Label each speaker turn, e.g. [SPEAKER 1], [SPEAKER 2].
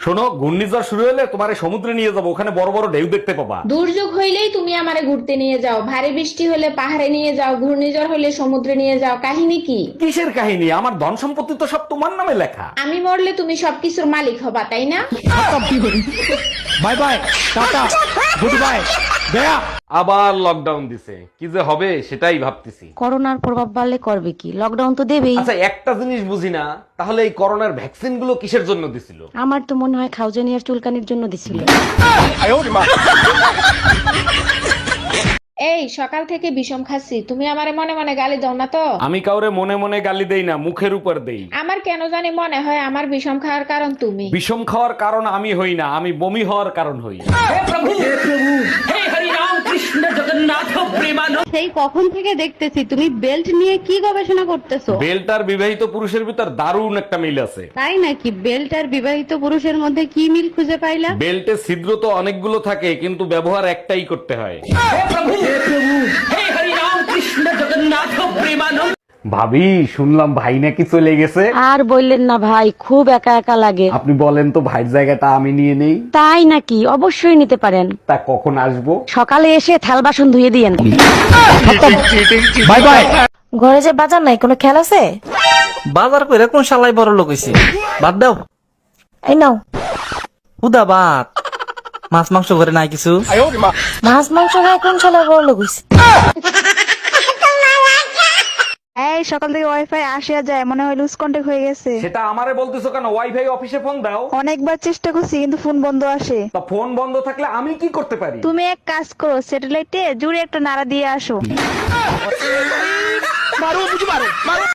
[SPEAKER 1] শোনো, ঘূর্ণিঝড় শুরু হলে তোমার সমুদ্রে নিয়ে যাবো, ওখানে বড় বড় ঢেউ দেখতে পাবা।
[SPEAKER 2] দুর্যোগ হইলেই তুমি আমারে ঘুরতে নিয়ে যাও, ভারী বৃষ্টি হলে পাহাড়ে নিয়ে যাও, ঘূর্ণিঝড় হলে সমুদ্রে নিয়ে যাও। কাহিনী কি?
[SPEAKER 1] কিসের কাহিনী? আমার ধন সম্পত্তি তো সব তোমার নামে লেখা।
[SPEAKER 2] আমি মরলে তুমি সবকিছুর মালিক হবা, তাই না?
[SPEAKER 1] বাই বাই, টাটা, গুড বাই, গয়া। আবার লকডাউন দিছে, কি যে হবে সেটাই ভাবতেছি।
[SPEAKER 3] করোনার প্রভাব বাড়লে করবে কি, লকডাউন তো দেবেই।
[SPEAKER 1] আচ্ছা, একটা জিনিস বুঝি না, তাহলে এই করোনার ভ্যাকসিন গুলো কিসের জন্য দিছিল?
[SPEAKER 3] আমার তো মনে হয় খাউজানিয়ার চুলকানির জন্য দিছিল।
[SPEAKER 2] এই সকাল থেকে বিষম খাচ্ছি, তুমি আমারে মনে মনে গালি দাও না তো?
[SPEAKER 1] আমি কাউরে মনে মনে গালি দেই না, মুখের উপর দেই।
[SPEAKER 2] আমার কেন জানি মনে হয় আমার বিষম খাওয়ার কারণ তুমি।
[SPEAKER 1] বিষম খাওয়ার কারণ আমি হই না, আমি বমি হওয়ার কারণ হই।
[SPEAKER 3] সেই কখন থেকে দেখতেছি তুমি বেল্ট নিয়ে কি গবেষণা করতেছো।
[SPEAKER 1] বেল্ট আর বিবাহিত পুরুষের ভিতর দারুণ একটা মিল আছে।
[SPEAKER 3] তাই নাকি? বেল্ট আর বিবাহিত পুরুষের মধ্যে কি মিল খুঁজে পাইলা?
[SPEAKER 1] বেল্টে ছিদ্র তো অনেকগুলো থাকে, কিন্তু ব্যবহার একটাই করতে হয়। ভাবি, শুনলাম ভাই নাকি চলে গেছে।
[SPEAKER 3] আর বললেন না ভাই, খুব একা একা লাগে।
[SPEAKER 1] আপনি বলেন তো, ভাইয়ের জায়গাটা আমি নিয়ে নেই।
[SPEAKER 3] তাই নাকি? অবশ্যই নিতে পারেন।
[SPEAKER 1] তা কখন আসবো?
[SPEAKER 3] সকালে এসে থাল বাসন ধুয়ে দিয়েন।
[SPEAKER 1] Bye bye.
[SPEAKER 4] ঘরে যে বাজার নাই, কোনো খেয়াল আছে?
[SPEAKER 5] বাজার করে কোন শালাই বড় লোক হইছে? বাদ দাও,
[SPEAKER 4] এই নাও।
[SPEAKER 5] হুদা বাদ। মাছ মাংস ঘরে নাই কিছু?
[SPEAKER 4] মাছ মাংস খায় কোন শালায় বড় লোক হইছে?
[SPEAKER 6] এই সকাল থেকে ওয়াইফাই আসে আর যায়, মনে হয় লুজ কন্টাক্ট হয়ে গেছে।
[SPEAKER 1] সেটা আমারে বলতেছো কেন? ওয়াইফাই অফিসে ফোন দাও।
[SPEAKER 6] অনেকবার চেষ্টা করছি কিন্তু ফোন বন্ধ আসে।
[SPEAKER 1] তা ফোন বন্ধ থাকলে আমি কি করতে পারি?
[SPEAKER 6] তুমি এক কাজ করো, স্যাটেলাইটে জুড়ে একটা নাড়া দিয়ে আসো।